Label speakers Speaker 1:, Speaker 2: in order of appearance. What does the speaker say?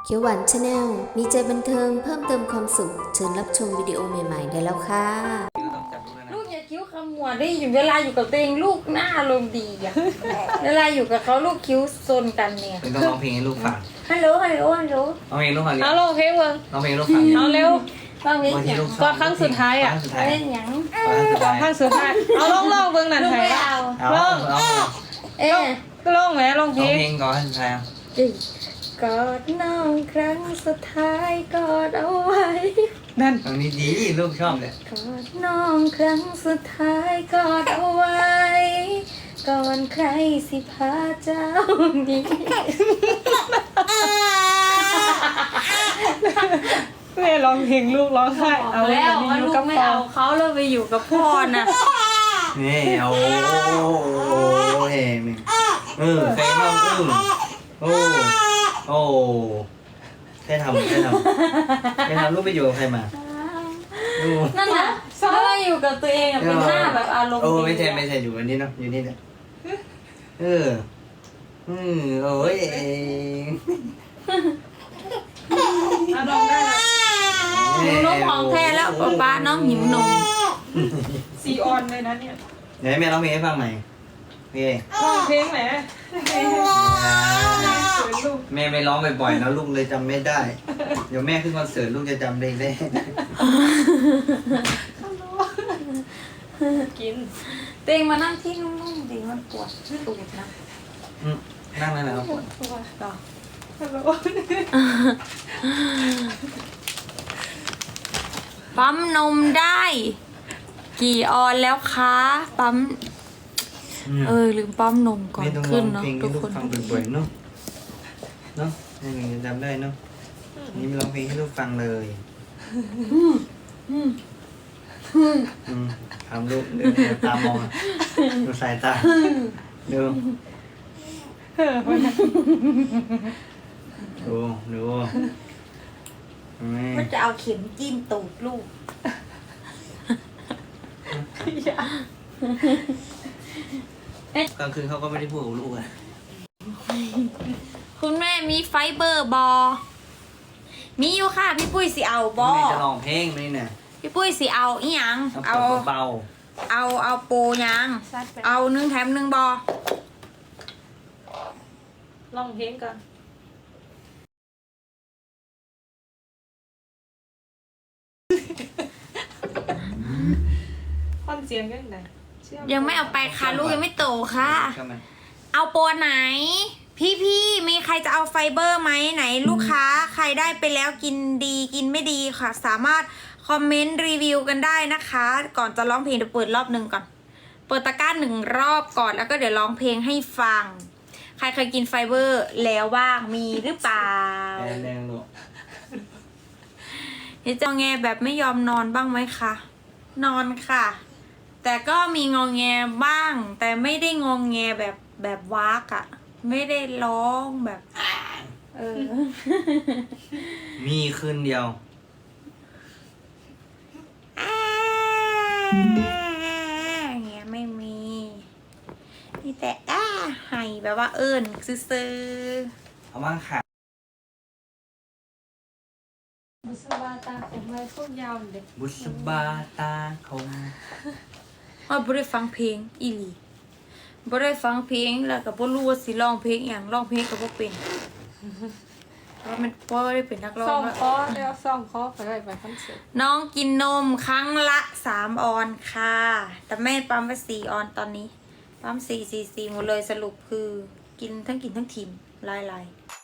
Speaker 1: เขียวหวานชาแนลมีใจบันเทิงเพิ่มเติมความสุขเชิญรับชมวิดีโอใหม่ๆได้แล้วค่ะ
Speaker 2: ลูกอย่าคิ้วขมวดได้อยู่เวลาอยู่กับตัวเองลูกหน้าอารมณ์ดีอะ เวลาอยู่กับเขาลูกคิ้วซนกันเนี่ย
Speaker 3: เป็นต้องร้องเพลงให้ลูกฟัง
Speaker 2: ฮัลโหลฮัลโหลฮัลโหล
Speaker 3: ร้องเพลงให้ลูกฟังดิ
Speaker 4: เอาลงเพลงเบิ่ง
Speaker 3: ร้องเพลงให้ลูกฟังดิ
Speaker 4: เอาเร็ว
Speaker 2: ต้องเล่น
Speaker 3: บาง
Speaker 2: ห
Speaker 3: ที
Speaker 2: ยัง
Speaker 3: ลูก
Speaker 4: ก็ครั้งสุดท้ายอะ
Speaker 3: ครั้งสุดท้าย
Speaker 2: เล่นหยัง
Speaker 3: ครั้งสุดท้าย
Speaker 4: ข้างสุดท้ายเอาลงเบิ่งนั่น
Speaker 2: ลูก
Speaker 4: ไทย
Speaker 2: ไม่เอา
Speaker 3: เอาเอา
Speaker 2: เอ๊ะ
Speaker 4: ก็ลงแหมลงเพล
Speaker 3: ร้อง
Speaker 4: ง
Speaker 3: เพลงก่อนครั้งสุดท้าย
Speaker 2: กอดน้องครั้งสุดท้ายกอดเอาไว้
Speaker 4: นั่น
Speaker 3: ตรงนี้ดีลูกชอบเลย
Speaker 2: กอดน้องครั้งสุดท้ายกอดเอาไว้ ก่อนใครสิพาเจ้าหนี้
Speaker 4: แม่ร้องเพลงลูกร้องไห้
Speaker 2: เอาแล้ว
Speaker 4: นี่
Speaker 2: ว่า
Speaker 4: อยู่
Speaker 2: ลูก
Speaker 4: กับ
Speaker 2: ไม่
Speaker 4: พ่อ
Speaker 2: เอาเขาแล้วไปอยู่กับพ่อน่ะ
Speaker 3: นี่เอาเฮ้มึงใครน้องโอ้ใครทำลูกไปอยู่กับใครมาดู
Speaker 2: นั่นน่ะเพราะว่าอยู่กับตัวเองอะเป็นหน้าแบบอารมณ์
Speaker 3: โอ้
Speaker 2: ดี
Speaker 3: ไม่ใช่อยู่อันนี้เนาะอยู่นี่เนี่ยโอ้ย
Speaker 4: เอาลงได้แล้ว
Speaker 2: หนูนมของแท้แล้วป๊าน้องหิวนม
Speaker 4: ซีออนเลยนะเนี่ย
Speaker 3: เดี๋ยวแม่ร้องเพลงให้ฟังใหม่พี่
Speaker 4: ร้องเพลงแหมเขินลูก
Speaker 3: แม่ไม่ร้องบ่อยๆแล้วลูกเลยจำไม่ได้ เดี๋ยวแม่ขึ้นคอนเสิร์ตลูกจะจำเพลงได้
Speaker 4: กิน
Speaker 2: เตียงมานั่งที่นุ่มๆดีมันปวดตูดนะ
Speaker 3: นั่งนั่นแหละครับ
Speaker 4: ตัวต่อฮัลโหล
Speaker 2: ปั๊มนมได้ กี่ออนแล้วคะปั๊มลืมปั๊มนมก่อน
Speaker 3: ไม่ต้องร้
Speaker 2: ขึ้
Speaker 3: อน ง
Speaker 2: เนาะ
Speaker 3: เพลง
Speaker 2: ทุ
Speaker 3: ให้
Speaker 2: ก
Speaker 3: ลูก
Speaker 2: คน
Speaker 3: ฟังบ่อยๆเนาะให้หนูจำได้เนาะนี่ไม่ร้องเพลงให้ลูกฟังเลยทำลูกเดินตามองดูสายตาดูแม่
Speaker 2: มันจะเอาเข็มจิ้มตูดลูก
Speaker 3: กลางคืนเขาก็ไม่ได้พูดกับลูกอะ
Speaker 2: คุณแม่มีไฟเบอร์บอ มีอยู่ค่ะพี่ปุ้ยสิเอาบอ
Speaker 3: แม่จะร้องเพลงไหมเนี่ย
Speaker 2: พี่ปุ้ยสิเอาอีหยัง
Speaker 3: เอาเบา
Speaker 2: เอาโปรยัง เอา1 แถม 1บอ
Speaker 4: ร้องเพลงก่อนฟังเสียงกันไหน
Speaker 2: ยังไม่เอาไปค่ะลูกยังไม่โตค่ะ
Speaker 3: ๆเข้ามา
Speaker 2: เอาโปรไหน พี่มีใครจะเอาไฟเบอร์ไหมไหนลูกค้าใครได้ไปแล้วกินดีกินไม่ดีค่ะ สามารถคอมเมนต์รีวิวกันได้นะคะ ก่อนจะร้องเพลงเดี๋ยวเปิดรอบหนึ่งก่อน เปิดตะกร้า1 รอบก่อนแล้วก็เดี๋ยวร้องเพลงให้ฟัง ใครเคยกินไฟเบอร์แล้วบ้างมีหรือเปล่า
Speaker 3: แดงลูก
Speaker 2: เดี๋ยวจะงอแงแบบไม่ยอมนอนบ้างไหมคะนอนค่ะ แต่ก็มีงอแงบ้าง แต่ไม่ได้งอแงแบบวากอะไม่ได้ร้องแบบ
Speaker 3: มีคืนเดียว
Speaker 2: อย่างเงี้ยไม่มีนี่แต่ให้แบบว่าซื้อ
Speaker 3: เอาบ้างค่ะ
Speaker 4: บุษบาตาผมไว้พวกยาวเด็ก
Speaker 3: บุษบาตาคง
Speaker 2: ว่าบ่ได้ฟังเพลงอีหลีบ่ได้ฟังเพลงแล้วก็บ่รู้ว่าสิร้องเพลงอย่างร้องเพลงก็บ่เป็นเพราะมันบ่ได้เป็นนักร้อ
Speaker 4: ซ่อง ม
Speaker 2: แล้ว
Speaker 4: คอเดี๋ยวซ่อมคอไปได้ไปคอนเสิร์ต
Speaker 2: น้องกินนมครั้งละ3 ออนค่ะ แต่แม่ปั๊มไป4 ออนตอนนี้ปั๊ม4 4 4หมดเลยสรุปคือกินทั้งทิมลาย